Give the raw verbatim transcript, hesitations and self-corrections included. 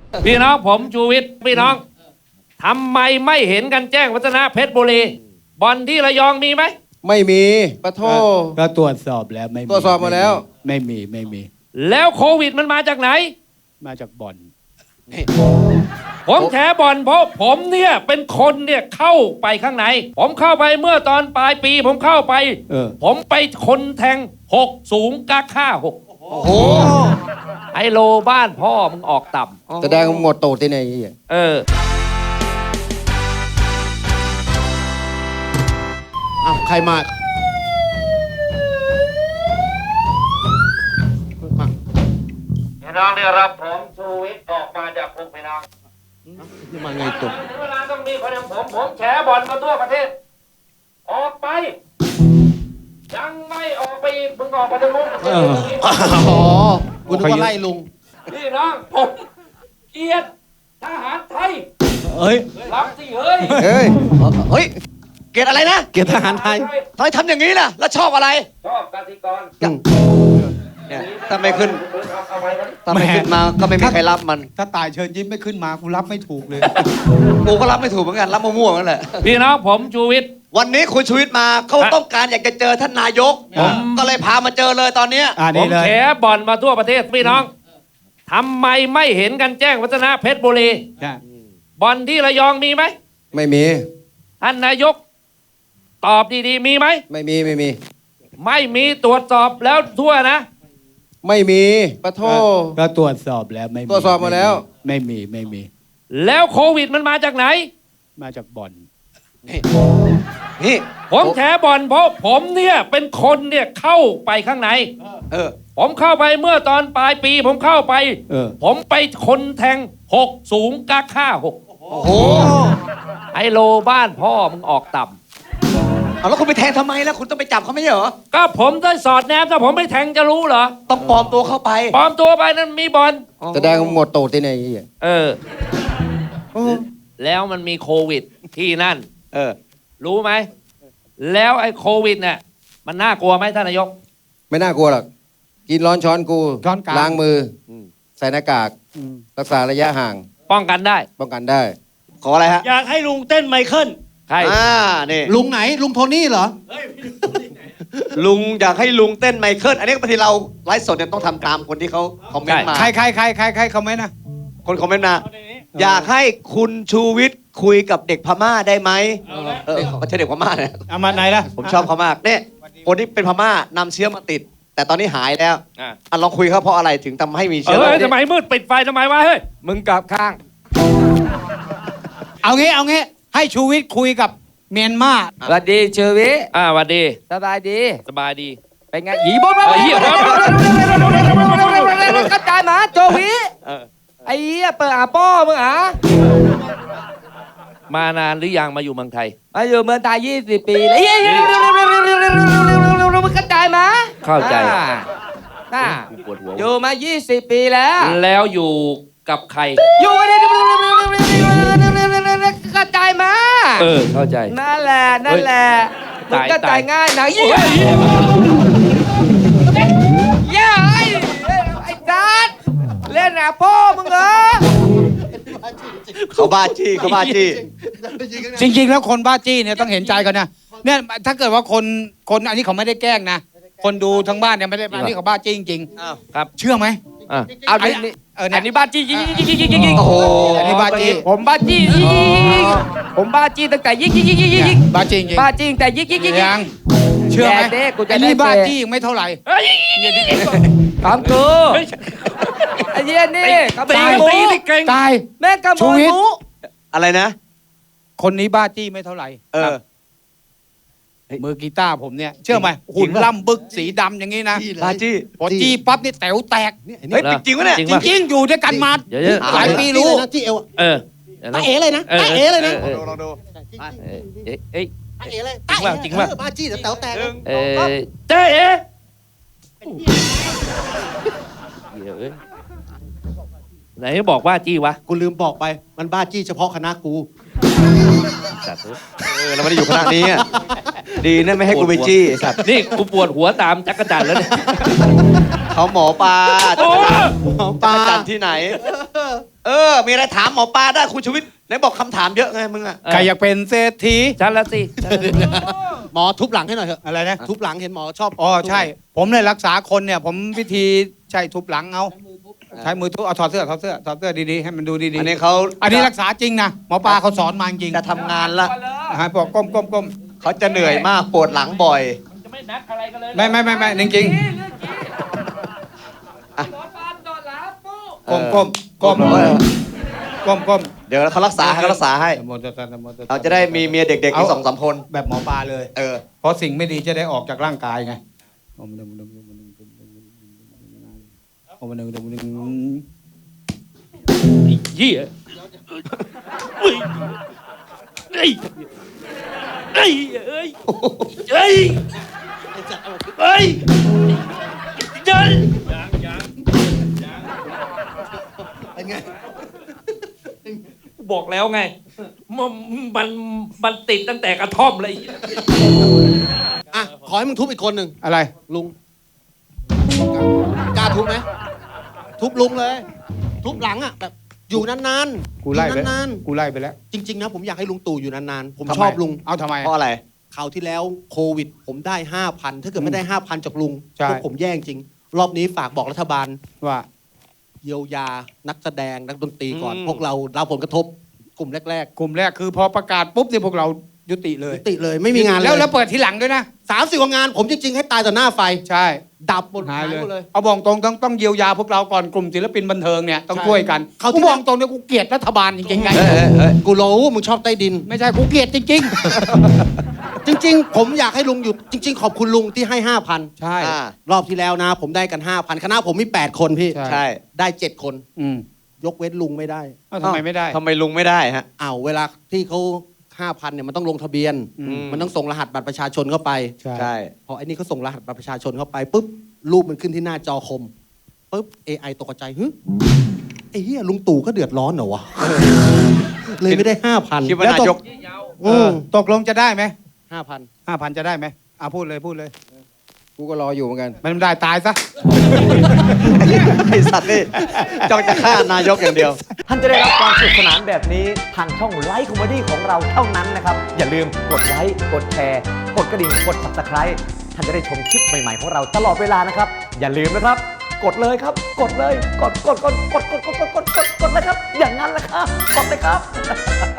พี่น้องผมชูวิทย์พี่น้องทำไมไม่เห็นกันแจ้งวัฒนะเพชรบุรีบอลที่ระยองมีไหมไม่มีปะโทก็ตรวจสอบแล้วไม่มีตรวจสอบมาแล้วไม่มีไม่มีแล้วโควิดมันมาจากไหนมาจากบ่อนผมแฉบ่อนเพราะผมเนี่ยเป็นคนเนี่ยเข้าไปข้างในผมเข้าไปเมื่อตอนปลายปีผมเข้าไปผมไปคนแทงหกสูงกาค่าหกโอ้โหไอโลบ้านพ่อมึงออกต่ำแสดงหมดโตที่ไหนเอออ้าวใครมาพี่น้องได้รับผมชูวิทย์ออกมาจากคุกพี่น้องนี่มาไงตัวเวลาต้องมีคนอย่างผมผมแฉบ่อนมาทั่วประเทศออกไปยังไม่ออกไปอีกมึงออกไปทางนู้นอ๋อกูนึกว่าไล่ลุงพี่น้องผมเกียรติทหารไทยเฮ้ยรับสิเฮ้ยเฮ้ยเฮ้ยเกียรติอะไรนะเกียรติทหารไทยทำไมทำอย่างนี้ล่ะแล้วชอบอะไรชอบกติกรเนี่ยถ้าไม่ขึ้นถ้าไม่ขึ้นมาก็ไม่มีใครรับมันถ้าตายเชิญยิ้มไม่ขึ้นมากูรับไม่ถูกเลยกูก็รับไม่ถูกเหมือนกันรับมั่วๆนั่นแหละพี่น้องผมชูวิทย์วันนี้คุณชูวิทย์มาเขาต้องการอยากจะเจอท่านนายกผมก็เลยพามาเจอเลยตอนนี้ผมแฉบ่อนมาทั่วประเทศพี่น้องทำไมไม่เห็นกันแจ้งวัฒนะเพชรบุรีบอลที่ระยองมีไหมไม่มีท่านนายกตอบดีๆมีไหมไม่มีไม่มีไม่มีตรวจสอบแล้วทั่วนะไม่มีปะโทก็ตรวจสอบแล้วไม่มีตรวจสอบมาแล้วไม่มีไม่มีแล้วโควิดมันมาจากไหนมาจากบ่อนนี่ผมแฉบ่อนเพราะผมเนี่ยเป็นคนเนี่ยเข้าไปข้างในเออผมเข้าไปเมื่อตอนปลายปีผมเข้าไปผมไปคนแทงหกสูงกาค่าหกโอ้โหไอโลบ้านพ่อมึงออกต่ำเอาแล้วคุณไปแทงทำไมแล้วคุณต้องไปจับเขาไม่ใช่เหรอก็ผมได้สอดแนมถ้าผมไม่แทงจะรู้เหรอต้องปลอมตัวเข้าไปปลอมตัวไปนั้นมีบอลแสดงหมดโตที่ไหนเออแล้วมันมีโควิดที่นั่นเออรู้ไหมแล้วไอ้โควิดเนี่ยมันน่ากลัวไหมท่านนายกไม่น่ากลัวหรอกกินร้อนช้อนกูล้างมือใส่หน้ากากรักษาระยะห่างป้องกันได้ป้องกันได้ขออะไรฮะอยากให้ลุงเต้นไมเคิลใครอ่านี่ลุงไหนลุงโทนี่เหรอลุงอยากให้ลุงเต้นไมเคิลอันนี้บางทีเราไลฟ์สดเนี่ยต้องทำตามคนที่เขาคอมเมนต์มาใครใครใครใครใครคอมเมนต์นะคนคอมเมนต์มาอยากให้คุณชูวิทย์คุยกับเด็กพม่าได้ไหมเออไม่ใช่เด็กพม่าเนี่ยเอามาไหนล่ะผมชอบเขามากเนี่ยคนที่เป็นพม่านำเชื้อมาติดแต่ตอนนี้หายแล้วอ่ะลองคุยเขาเพราะอะไรถึงทำให้มีเชื้อเฮ้ยทำไมมืดปิดไฟทำไมวะเฮ้ยมึงกลับข้างเอางี้เอางี้ให้ชูวิทย์คุยกับเมียนมาสวัสดีชูวิทย์อ่าสวัสดีสบายดีสบายดีเป็นไงหยีบดมาหยีบกระจายมาโจวิไอ้เหี้ยเปิดอาป้อมึงอ่ะมานานหรือยังมาอยู่เมืองไทยมาอยู่เมืองไทยยี่สิบปีแล้วมึงกระจายมาเข้าใจน่าอยู่มายี่สิบปีแล้วแล้วอยู่กับใครอยู่ในกระจายมาเออเข้าใจนั่นแหละนั่นแหละมึงกระจายง่ายนะยี่ย่าไอ้ไอ้จัดเล่นนะพ่อมึงเหรอเขาบ้าจี้เขาบ้าจี้จริงๆแล้วคนบ้าจี้เนี่ยต้องเห็นใจกันนะเนี่ยถ้าเกิดว่าคนคนอันนี้เขาไม่ได้แกล้งนะคนดูทั้งบ้านเนี่ยไม่ได้อันนี้เขาบ้าจี้จริงๆครับเชื่อไหมอ่าเอาอันนี้อันนี้บ้าจี้ยิงยิงยิงยิงยิงโอ้โหอันนี้บ้าจี้ผมบ้าจี้ผมบ้าจี้ตั้งแต่ยิงยิงยิงยิงยิงบ้าจี้จริงบ้าจี้แต่ยิงยิงยิงยังเชื่อไหมอันนี้บ้าจี้ยังไม่เท่าไหร่ถามกูไอ้เหี้ยนี่ตีตีตีเก่งตายแม่กระโมยหมูอะไรนะคนนี้บ้าจี้ไม่เท่าไหร่เออมือกีตาร์ผมเนี่ยเชื่อไหมหุ่นล่ำบึกสีดำอย่างนี้นะบ้าจี้พอจี้ปั๊บนี่แต๋วแตกเฮ้ยจริงวะเนี่ยจริงๆอยู่ด้วยกันมาหลายปีรู้จี้เอวเออตาเอ๋เลยนะตาเอ๋เลยนะลองดูเอ้ยตาเอ๋เลยจริงป่ะจริงป่ะบ้าจี้แต๋วแตกเออเจ๊เอ๋ไหนบอกว่าจี้วะกูลืมบอกไปมันบ้าจี้เฉพาะคณะกูเออเราไม่ได้อยู่คณะนี้ดีนะไม่ให้กูไปจี้สัตว์นี่กูปวดหัวตามจักรจันทร์แล้วเนี่ยเขาหมอปลาโอ้หมอปลาจันที่ไหน เออ มีอะไรถามหมอปลาได้คุณชูวิทย์ไหนบอกคำถามเยอะไงมึงอะใครอยากเป็นเศรษฐีฉันละสิหมอทุบหลังให้หน่อยเถอะอะไรนะทุบหลังเห็นหมอชอบอ๋อใช่ ผมเนี่ยรักษาคนเนี่ย ผมวิธีใช่ทุบหลังเอาใช้มือทุบเอาถอดเสื้อถอดเสื้อถอดเสื้อดีๆให้มันดูดีอันนี้เขาๆอันนี้รักษาจริงนะหมอปลาเขาสอนมาจริงจะทำงานละฮะบอกก้มก้มก้มเขาจะเหนื่อยมากปวดหลังบ่อยมันจะไม่นัดอะไรกันเลยไม่ไม่ไม่ไม่จริงๆก้มก้มก้มเออก้มก้มเดี๋ยวเขารักษาให้เขารักษาให้นะโมตัสสะนะโมตัสสะเราจะได้มีเมียเด็กๆอีกสองสามคนแบบหมอปลาเลยเออเพราะสิ่งไม่ดีจะได้ออกจากร่างกายไงโอ้มันมันมันมันโอ้มันมันมันมันไอ้เหี้ยเฮ้ยเฮ้ยเฮ้ยเฮ้ยเฮ้ยเดินบอกแล้วไงมันมันมันติดตั้งแต่กระท่อมเลยอ่ะขอให้มึงทุบอีกคนหนึ่งอะไรลุงกล้าทุบไหมทุบลุงเลย ทุบหลังอ่ะแบบอยู่นานๆกูไล่อยู่ไปนานกูไล่ไปแล้วๆจริง ๆ นะ ผมอยากให้ลุงตู่อยู่นานๆ ผมทำไชอบลุงเอาทำไมเพราะอะไรคราวที่แล้วโควิด ผมได้ห้าพันถ้าเกิดไม่ได้ห้าพันจากลุงใช่พวกผมแย่จริง รอบนี้ฝากบอกรัฐบาลว่าเยียวยานักแสดงนักดนตรีก่อนอืมพวกเราเราผลกระทบกลุ่มแรกกลุ่มแรกคือพอประกาศปุ๊บเนี่ยพวกเรายุติเลๆยยุติเลยไม่มีงานเลยแล้วแล้วเปิดทีหลังด้วยนะสามสิบกว่างาน ผมจริง ๆ ให้ตายต่อหน้าไฟใช่ดับหมดหายเลยหมดเลยเอาบอกตรงต้องต้องเยียวยาพวกเราก่อนกลุ่มศิลปินบันเทิงเนี่ยต้องใช่ช่วยกันเขาที่กูบอกตรงเนี่ยกูเกลียดรัฐบาลจริงๆไงเอ้ยเอ้ยเอ้ยกูรู้มึงชอบใต้ดินไม่ใช่กูเกลียดจริงจริง ๆ ผมอยากให้ลุงอยู่จริง ๆ ขอบคุณลุงที่ให้ห้าพันๆ ใช่อ่ารอบที่แล้วนะ ผมได้กันห้าพันคณะผมมีแปดคนพี่ใช่ใช่ได้เจ็ดคนอืมยกเว้นลุงไม่ได้เอ้าทำไมไม่ได้ทำไมลุงไม่ได้ฮะอ้าวเวลาที่เขาห้าพันเนี่ยมันต้องลงทะเบียนอืมมันต้องส่งรหัสบัตรประชาชนเข้าไปใช่ใช่พอไอ้นี่เขาส่งรหัสบัตรประชาชนเข้าไปปุ๊บรูปมันขึ้นที่หน้าจอคมปุ๊บ เอ ไอ ตกใจฮึไอ้เหี้ยลุงตู่ก็เดือดร้อนเหรอวะเลยไม่ได้ห้าพันคิดว่านายกเออตกลงจะได้ไหมห้าพันห้าพันจะได้ไหมอ่ะพูดเลยพูดเลยกูก็รออยู่เหมือนกันมันไม่ได้ตายซะไอสัตว์นี่จ้องจะฆ่านายกอย่างเดียว ท่านจะได้รับความสนุกสนานแบบนี้ทางช่องไลฟ์คอมเมดี้ของเราเท่านั้นนะครับ อย่าลืมกดไลค์กดแชร์กดกระดิ่งกด ซับสไครบ์ ท่านจะได้ชมคลิปใหม่ๆของเราตลอดเวลานะครับ อย่าลืมนะครับ กดเลยครับ กดเลย กดกดกดกดกดกดกดกดกดกดเลยครับ อย่างนั้นแหละครับ กดเลยครับ